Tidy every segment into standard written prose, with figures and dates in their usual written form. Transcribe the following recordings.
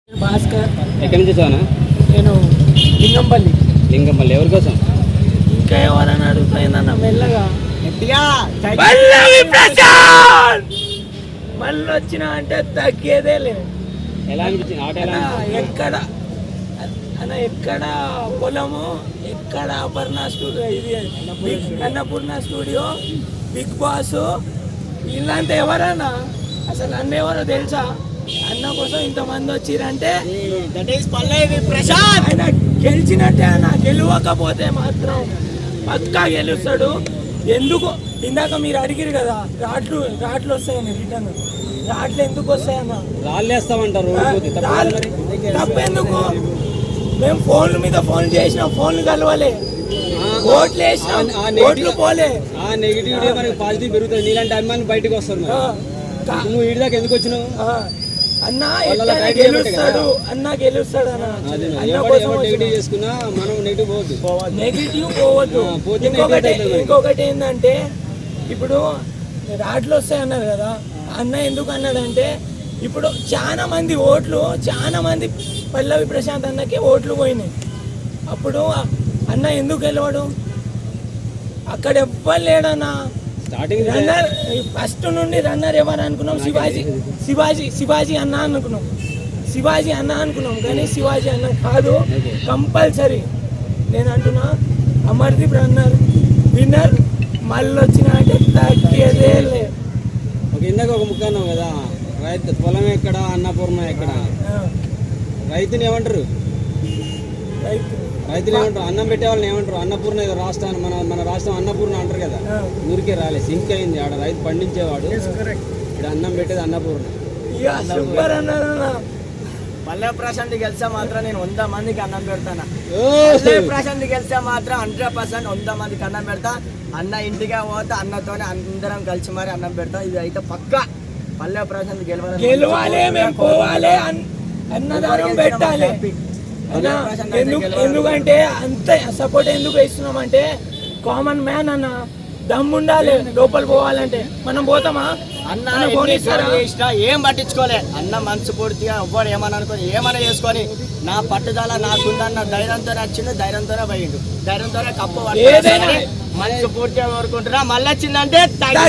భాస్కర్. ఎక్కడి నుంచి వచ్చావనా? నేను లింగంపల్లి. లింగంపల్లి ఎవరి కోసం? ఇంకా ఎవరైనా అడుగుతాయిందన్న మెల్లగా మళ్ళీ వచ్చిన అంటే తగ్గేదే లేదు. ఎలా అనిపించింది ఆట? ఎలా ఎక్కడ అన్న ఎక్కడ పొలము, ఎక్కడ అపర్ణ స్టూడియో, ఇది అన్నపూర్ణ స్టూడియో, బిగ్ బాస్, వీళ్ళంతా ఎవరన్నా అసలు అన్న ఎవరో తెలుసా? అన్న కోసం ఇంతమంది వచ్చిరంటే ఆయన గెలిచినట్టే. అన్న గెలవకపోతే మాత్రం పక్కా గెలుస్తాడు. ఎందుకు ఇందాక మీరు అడిగిరు కదా, రాట్లు వస్తాయని రిటర్న్ రాట్లు ఎందుకు వస్తాయన్న? రాళ్ళేస్తామంటారు. తప్పెందుకు? మేము ఫోన్ల మీద ఫోన్ చేసినాం, ఫోన్లు కలవలే, ఓట్లు వేసినాం, ఓట్లు పోలే. ఆ నెగిటివిటీ మనకి పాజిటివ్ పెరుగుతుంది. నీలాంటి అభిమానులు బయటకు వస్తారు. నువ్వు ఇటు దాకా ఎందుకు వచ్చినావు? అన్న గెలుస్తాడు, అన్న గెలుస్తాడు అన్న. నెగిటివ్ చేసుకున్నా మనం నెగిటివ్ పోవద్దు. ఇంకొకటి ఏంటంటే, ఇప్పుడు రాట్లు వస్తాయి అన్నారు కదా, అన్న ఎందుకు అన్నాడంటే, ఇప్పుడు చాలా మంది పల్లవి ప్రశాంత్ అన్నకి ఓట్లు పోయినాయి. అప్పుడు అన్న ఎందుకు గెలవడు? అక్కడ ఎవ్వరు లేడన్నా. రన్నర్ ఫస్ట్ నుండి రన్నర్ ఎవరు అనుకున్నాం? శివాజీ అన్న అనుకున్నాం. కానీ శివాజీ అన్న కాదు, కంపల్సరీ. నేను అంటున్నా అమర్దీప్ రన్నర్ విన్నర్. మళ్ళీ వచ్చిన అంటే తగ్గేదే లేదు. ఇందాక ఒక ముక్క అన్నావు కదా, రైతు పొలం ఎక్కడ, అన్నపూర్ణ ఎక్కడ? రైతుని ఏమంటారు? రైతులు ఏమంటారు? అన్నం పెట్టే వాళ్ళని ఏమంటారు? అన్నపూర్ణ రాష్ట్రాన్ని మన రాష్ట్రం అన్నపూర్ణ అంటారు కదా. ఊరికే రాలే, సింక్ అయింది. ఆడ రైతు పండించేవాడు, ఇక్కడ అన్నం పెట్టేది అన్నపూర్ణ. పల్లె ప్రశాంత్ గెలిస్తే మాత్రం నేను 100 మందికి అన్నం పెడతాను. పల్లె ప్రశాంత్ గెలిస్తే మాత్రం 100% 100 మందికి అన్నం పెడతా. అన్న ఇంటిగా పోతే అన్నతోనే అందరం కలిసి మరి అన్నం పెడతాం. ఇది అయితే పక్కా. పల్లె ప్రశాంత్ గెలవాలి, మేము పోవాలి, అన్నదానం పెట్టాలి. ఎందుకంటే అంత సపోర్ట్ ఎందుకు ఇస్తున్నాం అంటే, కామన్ మ్యాన్ అన్న దమ్ముండాలి. లోపల పోవాలంటే మనం పోతామా? అన్న ఏం పట్టించుకోలే. అన్న మనసు పూర్తిగా ఎవ్వడు ఏమన్నా అనుకోని ఏమన్నా చేసుకొని, నా పట్టుదల నాకుందన్న ధైర్యంతో వచ్చిండు, ధైర్యంతోనే పోయిండు, ధైర్యంతోనే కప్పు మనసు పూర్తిగా కోరుకుంటున్నా. మళ్ళీ వచ్చిందంటే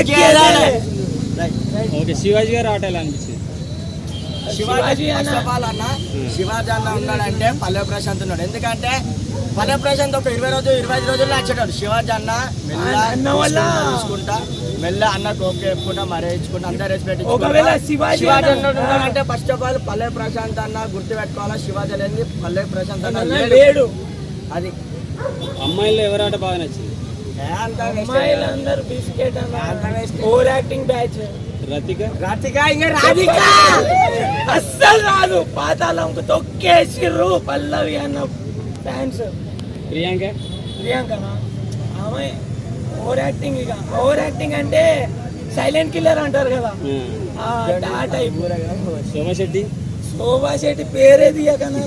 శివాజీ గారు ఆట ఎలా అనిపించింది? శివాజీ అన్న ఉన్నాడంటే పల్లె ప్రశాంత్ ఉన్నాడు. ఎందుకంటే పల్లె ప్రశాంత్ ఒక 25 రోజుల్లో వచ్చేటాడు. శివాజీ అన్న చూసుకుంటా మెల్ల అన్నకు ఓకే చెప్పుకుంటా, మరే ఇచ్చుకుంటా, అందరూ రెస్పెక్ట్. శివాజీ అన్న ఉన్నాడంటే ఫస్ట్ ఆఫ్ ఆల్ పల్లె ప్రశాంత్ అన్న గుర్తు పెట్టుకోవాలా. శివాజీ లేని పల్లె ప్రశాంత్ అన్న లేడు. అది అమ్మాయిల్లో ఎవరాట బాగా నచ్చింది? అమ్మాయిలందరూ biscuit over acting batch. Radhika అస్సలు రాదు. పాతాళంకు తొక్కేసిర్రు పల్లవి అన్న ఫ్యాన్స్. ప్రియాంకనా ఆమె ఓవర్ యాక్టింగ్. ఇక ఓవర్ యాక్టింగ్ అంటే సైలెంట్ కిల్లర్ అంటారు కదా, ఆ టైప్. శోభా శెట్టి పేరే తీయకనా?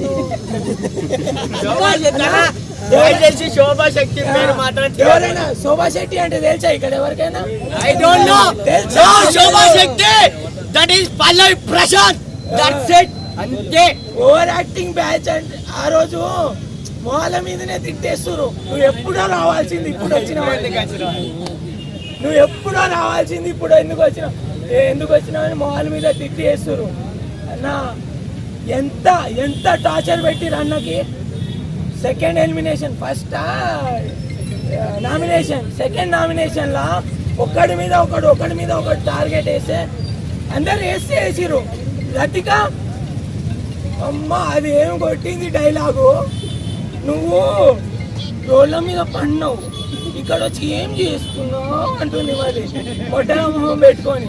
శోభా శక్తి పేరు మాత్రం ఎవరైనా శోభా శెట్టి అంటే తెలుసా ఇక్కడ ఎవరికైనా? I don't know. Shobha Shakti that is Pallavi Prashant, that's it. అంతే. ఓవర్ యాక్టింగ్ బ్యాచ్ అంటే ఆ రోజు మొహాల మీదనే తిట్టేస్తున్నారు. నువ్వు ఎప్పుడో రావాల్సింది, ఇప్పుడు వచ్చినావు. నువ్వు ఎప్పుడో రావాల్సింది, ఇప్పుడు ఎందుకు వచ్చినావు అని మొహాల మీద తిట్టేస్తున్నారు. అన్న ఎంత టార్చర్ పెట్టిరు అన్నకి. Second elimination, first nomination, second నామినేషన్లా ఒకడి మీద ఒకటి టార్గెట్ వేస్తే అందరు వేసిరు. రతిక అమ్మ అది ఏం కొట్టింది డైలాగు. నువ్వు రోడ్ల మీద పడినావు, ఇక్కడ వచ్చి ఏం చేస్తున్నావు అంటుంది. మరి మొట్టల మొహం పెట్టుకొని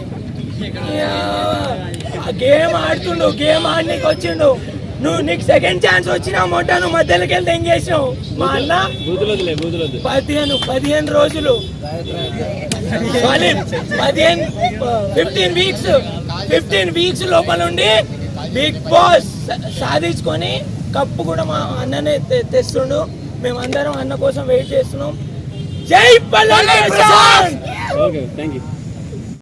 గేమ్ ఆడుతుండు, గేమ్ ఆడనీకి వచ్చిండు. నీకు సెకండ్ ఛాన్స్ వచ్చినా మొట్టను మధ్యలోకి వెళ్తే ఏం చేసావు? మా అన్న 15 రోజులు 15 వీక్స్ లోపల నుండి బిగ్ బాస్ సాధించుకొని కప్పు కూడా మా అన్ననే తెస్తుండు. మేమందరం అన్న కోసం వెయిట్ చేస్తున్నాం. జై పల్లవి ప్రశాంత్.